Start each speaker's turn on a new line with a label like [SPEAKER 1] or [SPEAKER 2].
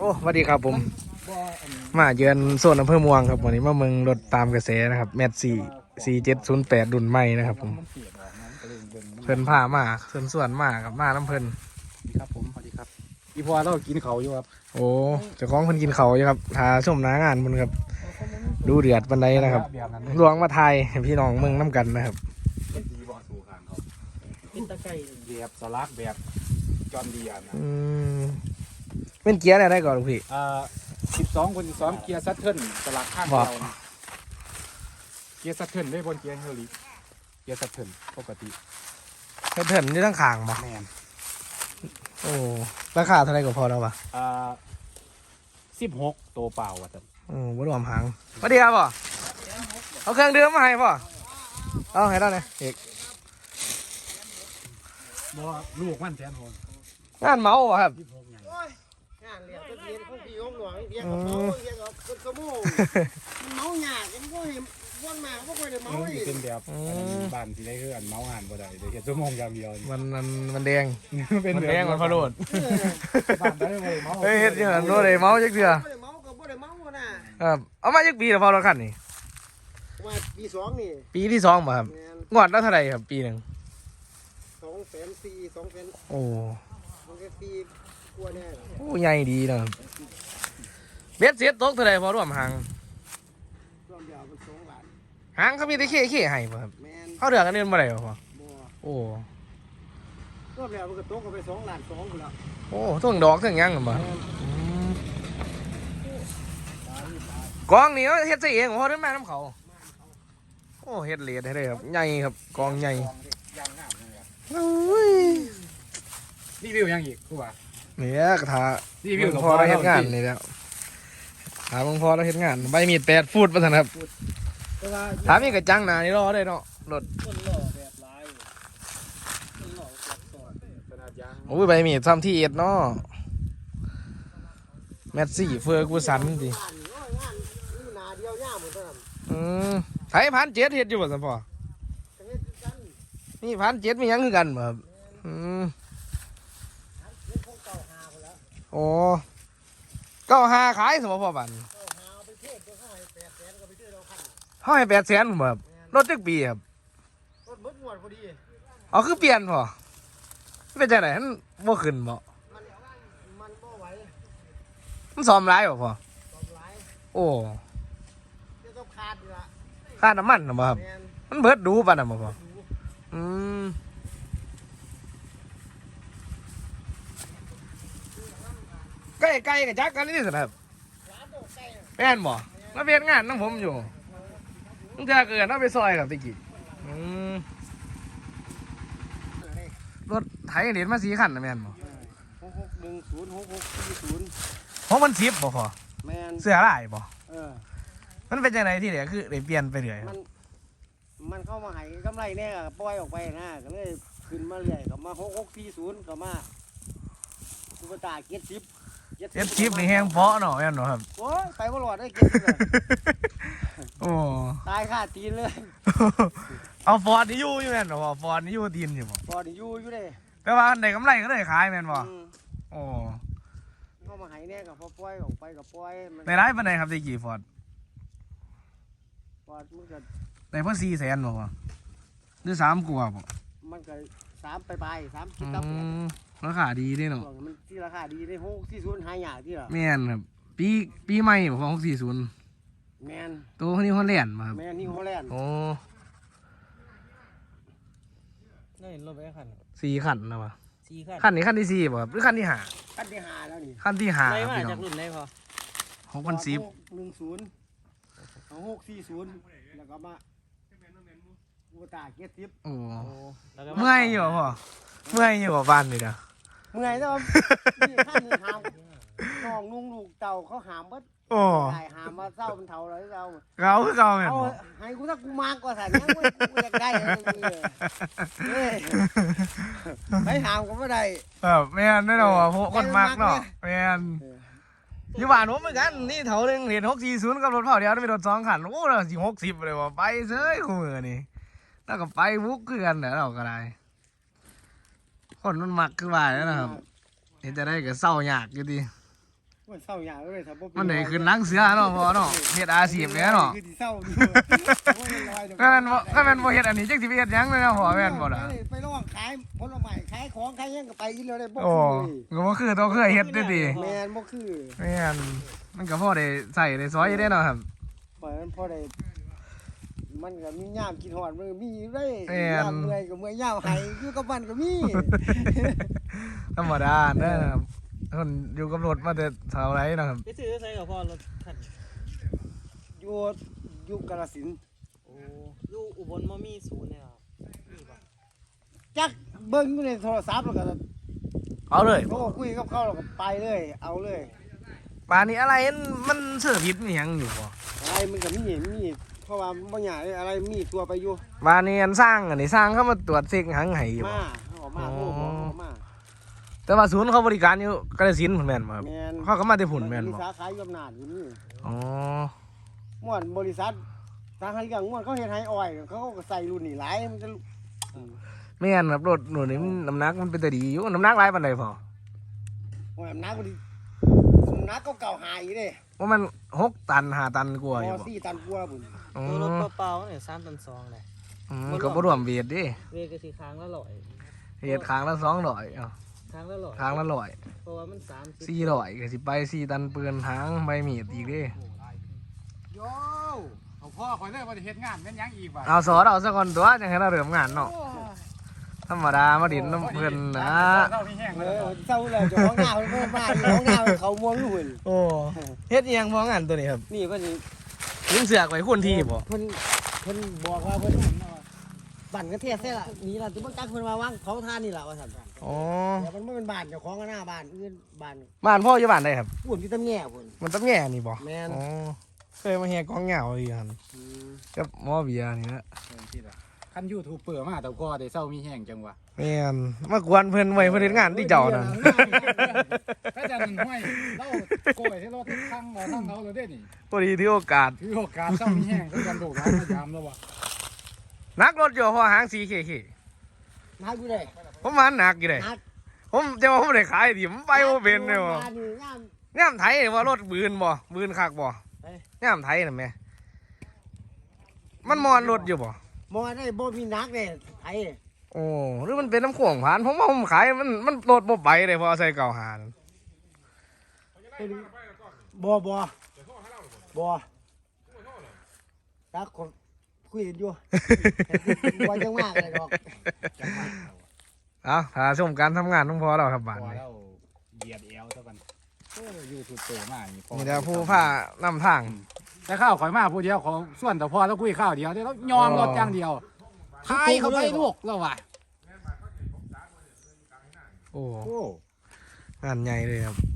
[SPEAKER 1] อ้สวัสดีครับผมมาเยือนโซนอำเภอม่วงครับวันนี้มาเมืองรถตามกระแสนะครับแมท4708รุ่นใหม่นะครับผมเพิ่นพามาส่วนมากับมาน้ำเพิ่น
[SPEAKER 2] ครับผมสวัสดีครับอีพอเรากินเขาอยู่ครับ
[SPEAKER 1] โอ้เจ้าของเพิ่นกินเขาอยู่ครับทาชมหน้างานเพิ่นครับดูเดือดปันใดนะครับลวงมาไทยให้พี่น้องเมืองน้ำกันนะครับ
[SPEAKER 2] เป็นดีบอสู่ข้างเขาเป็นตะไคร้แบบสลักแบบจอมเดียนะ
[SPEAKER 1] เป็นเกียร์อะไรก่อนลูกพี่
[SPEAKER 2] 12 เกียร์ซัตเทิลสลักข้างเราเกียร์ซัตเทิลได้บนเกียร์เฮลิเกียร์ซัตเทิลปกติ
[SPEAKER 1] เถินนี่ทั้งขางบ่
[SPEAKER 2] แมน
[SPEAKER 1] โอ้ราคาเท่าไรก็พอแล้วป่ะ
[SPEAKER 2] 16ตัวเปล่าว่ะท่าน
[SPEAKER 1] บ่รวมหางสวัสดีครับพ่อเอาเครื่องดื่มมาให้พ่อเอาให้ได้เลยเอก
[SPEAKER 2] บ่ลูกมันแสนหง
[SPEAKER 1] งานเมาป่ะครับ
[SPEAKER 3] งานเลี้ยงก็เลี้ยงของพี่ของหลวงเลี้ยงกับเมาเลี้ยงกับคนขโมยเมาหยาดยังก็เห็นวันมาก็ค่อยได้เมาเลย
[SPEAKER 2] เป็นแบบบ้านที่ได้คืออันเมางานบ่ได้เดี๋ยวเฮ็ดชั่วโมงอย่างเดียว
[SPEAKER 1] มันแดง
[SPEAKER 2] เป็น
[SPEAKER 1] แดงมันพะโลด
[SPEAKER 2] บ้านได้บ่ได้เมา
[SPEAKER 1] เฮ้ยเฮ็ดอย่างนั้นบ่ได้เมาจักเทื่อ
[SPEAKER 3] บ่ได้เมาก็บ่ได้เมานะครับ
[SPEAKER 1] เอามาจักปีแล้วพอรถคันนี่
[SPEAKER 3] มาปี2นี่
[SPEAKER 1] ปีที่2บ่ครับงวดแล้วเท่าไหร่ครับปีนึง
[SPEAKER 3] 240,000 2,000
[SPEAKER 1] โอ้
[SPEAKER 3] 2,400กว่าแน่
[SPEAKER 1] โอ้ใหญ่ดีนะครับเบ็ดเสียตกเท่าไหร่พอรวมหาง
[SPEAKER 3] รวมเดียวมัน2ล้าน
[SPEAKER 1] หางเขามีแต่เข้ให้บ่ครับ
[SPEAKER 3] แม่น
[SPEAKER 1] เขาเดือกกันเดือนบ่ได้บ่พ่อโอ้
[SPEAKER 3] รวมแล้วมันก็ตกกันไป2ล้าน2พุ่นแล้ว
[SPEAKER 1] โอ้ทั้งดอกทั้งหยังนั่นบ่กองนี่เฮ็ดซะเองบ่ได้มานํเขาโอ้เฮ็ดเลดให้ได้ครับใหญ่ครับกองใหญ่
[SPEAKER 2] รีวิวยังอีกกูว่า
[SPEAKER 1] เนี่ยกระทะพอเราเฮ็ดงานนี่แล้วถามพอเราเฮ็ดงานใบมีด8 ฟุตว่าซั่นครับถามมีกระจังหน้านี่รอได้เนาะรถโอ้ยใบมีดซ้ำที่1เนาะแมทซี่เฟอร์กูสันดิไทย1,700เฮ็ดอยู่บ่ซั่นพ่อนี่1,700มีหยังคือกันบ่ครับโอ้95ขายสมพ่อบันเขาให้800,000ผมแบบรถจักปีครับ
[SPEAKER 3] รถเบิดงวดพอดี
[SPEAKER 1] เอาคือเปลี่ยนพอเป็นจังได๋มันบ่ขึ้นบ่
[SPEAKER 3] มันบ่ไหว
[SPEAKER 1] มันซ่อมหลายบ่พอ
[SPEAKER 3] ซ่อมหลาย
[SPEAKER 1] โอ้
[SPEAKER 3] จะต้องขาดอยู่ล่ะ
[SPEAKER 1] ค่าน้ำมันน่ะบ่ครับมันเบิดดูปานนั้นบ่พอไก่กับจักกันนี่สิครับแม่นบ่มาเวียนงานน้องผมอยู่ตั้งแต่เกิดน้าไปซอยกับตะกี้รถไถเด็ดมา4 คันนะแม่นบ่
[SPEAKER 3] 6610 6640
[SPEAKER 1] ของมัน10บ่พอ
[SPEAKER 3] แม่น
[SPEAKER 1] เสื้อลายบ่มันเป็นจังไดที่เหลือคือได้เปลี่ยนไปเรื่อย
[SPEAKER 3] มันเข้ามาให้กำไรแน่ปล่อยออกไปนะก็เลยขึ้นมาเรื่อยก็มา6640ก็มาสุภตา70
[SPEAKER 1] นี่แห้งเพาะเนาะแม่นเนาะครับ
[SPEAKER 3] โอ้ยไปบ่รอดได้70
[SPEAKER 1] โอ้
[SPEAKER 3] ตายคาตีนเลย
[SPEAKER 1] เอาฟอร์ดนี่อยู่แม่นบ่ฟอร์ดนี่อยู่ตีนอยู่บ่
[SPEAKER 3] ฟอร์ดนี่อยู่เด้
[SPEAKER 1] แต่ว่าได้กำไรก็ได้ขายแม่นบ่โอ้
[SPEAKER 3] เข้ามาให้แน่ก็พอปล่อยออกไปก็ปล่อย
[SPEAKER 1] ในร้านปานใดครับได้กี่ฟอร์ด
[SPEAKER 3] มันก็
[SPEAKER 1] ได้เพิ่น400,000บ่พ่อหรือ3กว่าบ่
[SPEAKER 3] มันก็3ไป3คิดกับ
[SPEAKER 1] ราคาดีด้วยเนาะ
[SPEAKER 3] มันที่ราคาดีได้640หายากที่ล่ะ
[SPEAKER 1] แม่นครับปีใหม่บ่ของ640
[SPEAKER 3] แม่น
[SPEAKER 1] ตัวนี้ฮอลแลนด์บ่ครับ
[SPEAKER 3] แม่นนี่ฮอลแลนด์
[SPEAKER 1] โอ้
[SPEAKER 3] ได้เห็นรถไปคัน
[SPEAKER 1] 4 คันนะบ่
[SPEAKER 3] 4
[SPEAKER 1] คันนี้คันที่4บ่ครับหรือคันที่
[SPEAKER 3] 5คันที่5แล้วนี่
[SPEAKER 1] คันที่5
[SPEAKER 3] ได้มาจากรุ่นไหนพอ
[SPEAKER 1] 6,10
[SPEAKER 3] 640แล้วก็มาอุตา70
[SPEAKER 1] โอ้เมื่อยอยู่พ่อเมื่อยอยู่บ้านนี่เด้อ
[SPEAKER 3] เมื่อยแต่ว่านี่ท่านนี่หามน้องนุ่งลูกเต่าเขาหามบ่
[SPEAKER 1] โอ้
[SPEAKER 3] ได้หามมาเศร้าเป็นเฒ่าแล้วเฒ่า
[SPEAKER 1] คือเก่าแม่นบ่
[SPEAKER 3] ให้กูถ้ากูมากกว่าซั่นยังกูอยากได้เอ้ยให้หามก็บ่ได้
[SPEAKER 1] แม่นได้ดอกคนมักเนาะแม่นอยู่บ้านผมเหมือนกันนี่เฒ่านึงเห็น640กับรถเผาเดียวมีรถ2 คันโอ้แล้วสิ60เลยว่าไปเซ้ยคู่มือนี่แล้วก็ไปบุกคือกันเด้อเราก็ได้คนมันมักคือว่าแล้วนะครับเห็นจะได้ก็เศร้ายากอยู่ดี
[SPEAKER 3] มันเศร้าอย่างเลยถ้าบ่เป็
[SPEAKER 1] มันได้ขึ้นหลังเสือเนาะพอเนาะเฮ็ดอาชีพแหน่เนาะ
[SPEAKER 3] คือสิเศร้าอยู่บ่เป็นรอยดอก
[SPEAKER 1] ถ้าแม่นบ่เฮ็ดอันนี้จักสิไปเฮ็ดหยังเลยเนาะพอแม่นบ่ล่ะ
[SPEAKER 3] ไปร้องขายผลไม้ขายของขายหยังก็ไปอีแล้วได้บ่
[SPEAKER 1] โอ้
[SPEAKER 3] คือ
[SPEAKER 1] ก็บ่คือต้องเคยเฮ็ดด้วยติ
[SPEAKER 3] แม่นบ่คือ
[SPEAKER 1] แม่นมันก็พอได้ใส่ได้ซอยอยู่เด้เนาะครับ
[SPEAKER 3] ปล่อยมันพอได้มันก็มียามกินฮอดมันก็มีอยู่ได้
[SPEAKER 1] แม่น
[SPEAKER 3] ยามเมื่อยก็เมื่อยยามไหอยู่กับมันก็มี
[SPEAKER 1] ธรรมดาเด้อครับคนอยู่กับรถมาแต่เท่าไรเนาะครับ
[SPEAKER 4] ไปซื้อใส่กับพ่อรถคัน
[SPEAKER 3] อยู่อยู่กาฬสินธุ์
[SPEAKER 4] โอ้อยู่อุบลมามีศูนย์เนี่ยครับมีป่ะ
[SPEAKER 3] จักเบิ่งอยู่ในโทรศัพท์แล้วก็
[SPEAKER 1] เอาเลย
[SPEAKER 3] โทรคุยกับเขาแล้วก็ไปเลย เอาเลย
[SPEAKER 1] ป่านนี้อะไรมันเสื้อผิดมีหยังอยู่บ่
[SPEAKER 3] อะไรมันก็มีเพราะว่าบ่อยากได้อะไรมีตัวไปอยู่
[SPEAKER 1] ป่านนี้อันสร้างอันนี้สร้างเขามาตรวจเช็คหังไห้อยู่บ่
[SPEAKER 3] มาเขาออกมาโทรบอกเขามา
[SPEAKER 1] แต่ว่าศูนย์เขาบริการอยู่กาฬสินธุ์พุ่นแม่นบ่ครับ
[SPEAKER 3] แม่น
[SPEAKER 1] เขาก็มาแต่พุ่นแม่น
[SPEAKER 3] มี
[SPEAKER 1] บ่
[SPEAKER 3] สาขาอยู่อำนาจอยู่นี่
[SPEAKER 1] อ๋อ
[SPEAKER 3] ม่วนบริษัททางให้เรื่องม่วนเขาเฮ็ดให้อ้อยเขาก็ใส่รุ่นนี่หลายมันจะ
[SPEAKER 1] แม่นครับรถหนูนี่มันน้ำหนักมันเป็นตาดีอยู่น้ำหนักหลายปานใดพอ
[SPEAKER 3] โอ้ยน้ำก็ดีน้ำก็เก่าหายอยู่เด้
[SPEAKER 1] ว่ามัน6 ตัน5 ตันกว่าอยู่
[SPEAKER 3] พอ
[SPEAKER 1] บ่
[SPEAKER 3] 4 ตันกว่าบุญ
[SPEAKER 1] อ๋อ
[SPEAKER 4] ตัวรถเปล่าๆเนี่ย3 ตัน 2เลย
[SPEAKER 1] ก็บ่รวมเวทดิ
[SPEAKER 4] เวกก็สิค้างละ100
[SPEAKER 1] เฮ็ดค้างละ200เอ้า
[SPEAKER 4] ค้างละ100
[SPEAKER 1] ค้างละ100
[SPEAKER 4] เพราะว่ามัน30
[SPEAKER 1] 400ก็สิไป4 ตันปืนหางใบมีดอีกเด้
[SPEAKER 2] โยเอาพ่อคอยเลยว่าจะเฮ็ดงานแม่นหยังอีกว่ะ
[SPEAKER 1] เอาสอนเอาซะก่อนตัวจังให้เราเริ่มงานเนาะธรรมดามาดินน้ำเพิ่นนะ
[SPEAKER 2] เศร้ามีแห้ง
[SPEAKER 3] เอ
[SPEAKER 2] เลย
[SPEAKER 3] อเศร้าเลยเจ้าของหน้าเพิ่นมาอยู่ของหน้าเขาม่วงอยู่หุ่น
[SPEAKER 1] โอ้เฮ็ดอีหยังบ่งานตัวนี้ครับ
[SPEAKER 3] นี่เพิ่นนี่
[SPEAKER 1] ยิงเสือกไว้คนที่บ่
[SPEAKER 3] เพิ่นบอกว่าเพิ่นบั่นกระเทียมแท้ละนี่ล่ะที่เพิ่นจักเพิ่นมาวางของทานนี่ล่ะว่าซั่น
[SPEAKER 1] อ๋อ
[SPEAKER 3] แต่มันบ่เป็นบ้านเจ้าของก็หน้าบ้านอื่นบ้าน
[SPEAKER 1] บ้านพ่ออยู่บ้านใดครับ
[SPEAKER 3] ปุ่นที่ตำแง่พุ่น
[SPEAKER 1] มันต้องแง่นี่บ่
[SPEAKER 3] แม่น
[SPEAKER 1] อ๋อเคยมาแห่กองเหงาอีกหั่นกับหมอเบียร์นี่นะ
[SPEAKER 2] คันยูทูบเปิดมาแต่ก็ได้เศร้ามีแห้งจังวะ
[SPEAKER 1] แม่นมากวนเพิ่นไว้เพิ่นเฮ็ดงานที่เจ้านั่น
[SPEAKER 2] ถ้าจะนั่นห้วยเล่าโกยให้เราทุกครั้งเราทั้งเขาเลยได้นี่
[SPEAKER 1] พอดีที่โอกาส
[SPEAKER 2] ถือโอกาสเศร้ามีแห้งต้องกันโดดร้านพยายามแล้ววะ
[SPEAKER 1] นักรถอยู่พอหางสีเค
[SPEAKER 3] นักอยู่ได้
[SPEAKER 1] ผมมาหนักอยู่เด้
[SPEAKER 3] นัก
[SPEAKER 1] ผมจะว่าผมได้ขายดิผมไปบ่เป็นเลยบ่
[SPEAKER 3] บ้านนี่งาม
[SPEAKER 1] ย่ามไทยว่ารถบืนบ่บืนคักบ่ย่ามไทยน่ะแม่มันมอนรถอยู่บ่
[SPEAKER 3] บ่ได้บ่มีนักเด้ไอ้
[SPEAKER 1] โอ้หรือมันเป็นน้ำข่วงผ่านผมว่าผมขายมันรถบ่ไปเลยพอใส่เก่าหานั่น
[SPEAKER 3] บ่ตักคนคุยกันอยู่ บ่จังมากเลยดอก
[SPEAKER 1] เอาถ้าชมการทำงานต้องพอแล้วครับบ้าน
[SPEAKER 2] พอ
[SPEAKER 1] นี้
[SPEAKER 2] แล้วเหยียดเอวเท่ากันยูทูบเปิดมานี่พอ
[SPEAKER 1] นี่เดี๋ยวผู้ผ้านำทาง
[SPEAKER 2] แต่ข้าวข่อยมาผู้เดียวของส่วนแต่พอแล้วคุยข้าวเดียวเดี๋ยวเรายอมรถอย่างเดียวทายเขาไปลูกแล้ววะ
[SPEAKER 1] โอ้
[SPEAKER 2] โอ้
[SPEAKER 1] งานใหญ่เลยครับ